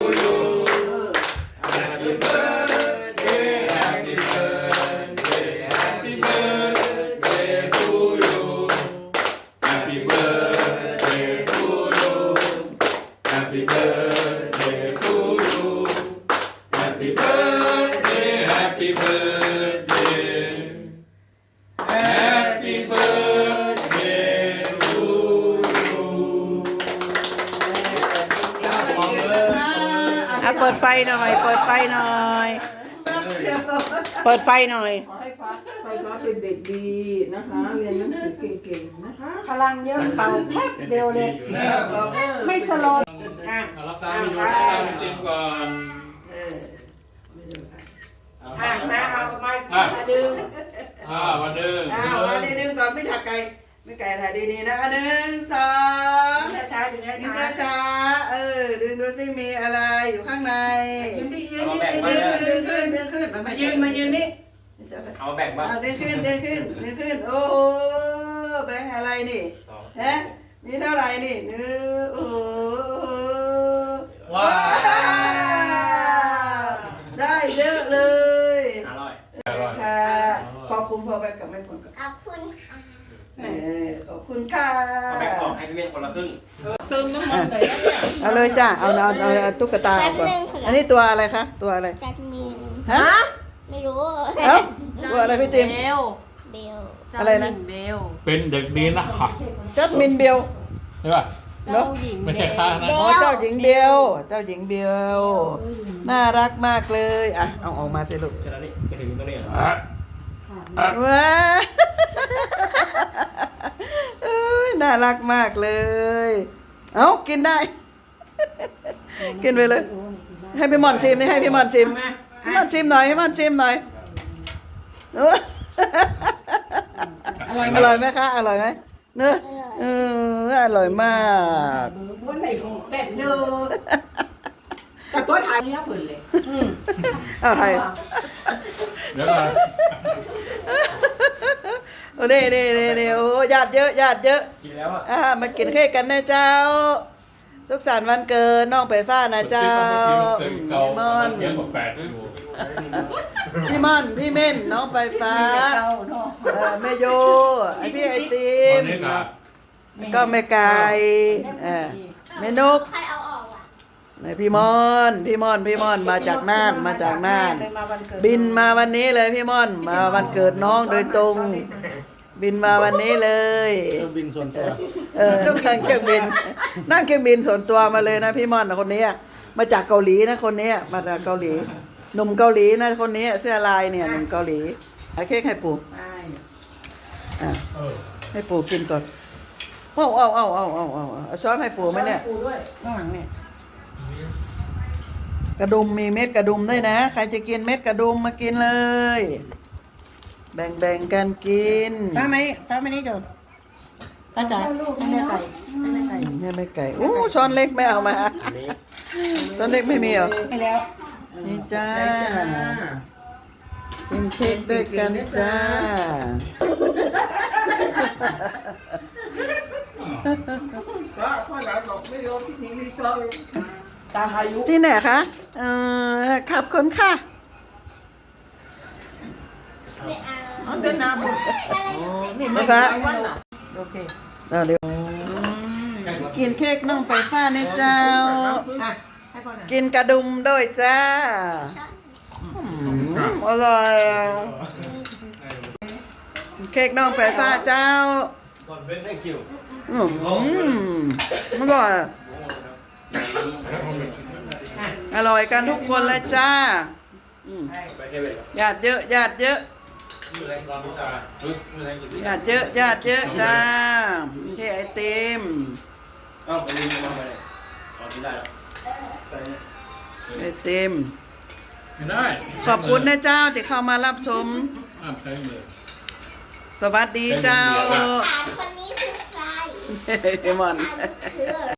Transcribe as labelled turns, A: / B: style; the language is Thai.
A: you Happy birthday Happy birthday Happy birthday to you Happy birthday to you Happy birthday to you Happy birthday Happy birthday Happy birthday to you
B: เปิดไฟหน่อย เปิดไฟหน่อย เปิดไฟหน่อย
C: ขอให้ฟ้าเป็นเด็กดีนะคะเรียนหนังสือเก่งๆนะคะ
D: พลังเยอะเขาแป๊บเดียวเลย ไม่สโลว์
A: เอารับตาไปดูรับตาไปจิ้มก่อน
C: มาเอามาดึง
A: มาดึง
C: มาดึงก่อนไม่ถักไก่ไม่ไก่ถ่ายดีๆนะหนึ่งสอง
D: ช้าๆดึง
C: ดึง
D: ช้า
C: ช้าๆดึงดูสิมีอะไรอยู่ข้างใน
D: ๆยืนดิยืน
A: เอา
D: ดิ
A: แบ่งมา
C: ดึงขึ้น
D: มายืนนี่
A: เอาแบ่งมา
C: ดึงขึ้นโอ้โหแบงค์อะไรนี่ฮะนี่เท่าไหร่นี่โอ้โห
A: ว้าว
C: ได้เยอะเลย
A: อร่อย
C: ค่ะขอบคุณพ่อแบงค์กับแม่คนกับ
E: ขอบคุณค่ะ
C: ขอบคุณค่ะ
A: แบ่งกล่องให้พี่เวียนคนละครึ่ง
C: เติมน้ำมันหน่อยเอาเลยจ้าเอาตุ๊กตาออกก่อนอันนี้ตัวอะไรคะตัวอะไร
E: จัดมิน
C: ฮะ
E: ไม่รู้
C: เอ้าตัวอะไรพี่จิม
E: เบล
C: อะไรนะ
D: เบล
A: เป็นเด็กดีนะคะ
C: จัดมินเบล
A: ใช่ป่ะ
D: เจ้าหญิง
A: ไม่ใช่ข้านะ
C: อ๋อเจ้าหญิงเบลเจ้าหญิงเบลน่ารักมากเลยอ่ะเอาออกมาสิลูก
A: แค่นั้นนี่ไปถึงตรงนี้
C: ว้าเอ้ยน่ารักมากเลย เอ้ากินได้ กินไปเลย ให้พี่หมอนชิมนี่ให้พี่หมอนชิมพี่หมอนชิมหน่อยให้หมอนชิมหน่อยเอออร่อยไหมคะอร่อยไหมเนอะอร่อยมาก
D: วันไหนของแต่เนอกับตัวไทยเนี่ยเปิดเลย
C: เอาไทย
A: เดี๋ยวก่อน
C: โอ้นี่โอ้ญาติเยอะญาติเยอะ
A: กินแล้วอ่ะ
C: มากินเค้กกันนะเจ้า สุขสันต์วันเกิดน้องไปฟ้านะเจ้า
A: เก่า
C: พี่ม่อน
A: เยอะกว่า8อยู่
C: พี่ม่อนพี่เม่นน้องไปฟ้าแม่โยไอพี่ไอติ
A: ตอ
C: ม
A: นนี้ก็
C: ก็แม่ไก่แม่นก
E: ใครเอาออกอ่ะ
C: พี่ม่อนมาจากน่านบินมาวันนี้เลยพี่ม่อนมาวันเกิดน้องโดยตรง บินมาวันนี้เลยบินส่วนตัวนั่งเครื่องบินส่วนตัวมาเลยนะพี่ม่อนคนนี้มาจากเกาหลีนะคนนี้มาจากเกาหลีหนุ่มเกาหลีนะคนนี้เสื้อลายเนี่ยหนุ่มเกาหลีให้เค้กให้ปู่ให้ปู่กินก่อนเอาช้อนให้ปู่ไหมเนี่ยข้างหลังเนี่ยกระดุมมีเม็ดกระดุมด้วยนะใครจะกินเม็ดกระดุมมากินเลยแบ่งกันกิน
B: ฟ้ามานี่จนป้าจ๋าให้แม่ไก่
C: ให้แม่ไก่โอ้ช้อนเล็กไม่เอามาช้อนเล็กไม่มีเหรอ
B: ให้แล้ว
C: นี่จ้ากินเค้กด้วยกันจ้า
D: ตามอายุ
C: ที่ไหนคะขับคนค่ะ
E: ไม่เอา
C: เดินน้ำ
E: อะไร
C: นะคะ
D: โอเค
C: เร็วกินเค้กน้องไปฟ้าเนี่ยเจ้า
D: ให้ก่อนนะ
C: กินกระดุมด้วยจ้าอร่อยเค้กน้องไปฟ้าเจ้า
A: ก่อนเป็นเส้นคิว
C: อร่อยอร่อยกันทุกคนเลยจ้า
A: ไปเทเวศ
C: ญาติเยอะญาติเยอะ
A: อยู่ในกองพิซซ่าอยู่ในกิน
C: ญาติเยอะญาติเยอะจ้าเค้กไอติม
A: เอ้าไปลืมมาเลยเอากินได้แล้วใส่เนี่ย
C: ไอติม
A: ไม่ได้
C: ขอบคุณนะเจ้าที่เข้ามารับชม
A: ใช้มือ
C: สวัสดีเจ้า
E: ถามคนนี้คือใคร
C: เฮ้ยมอน
E: ถามคือ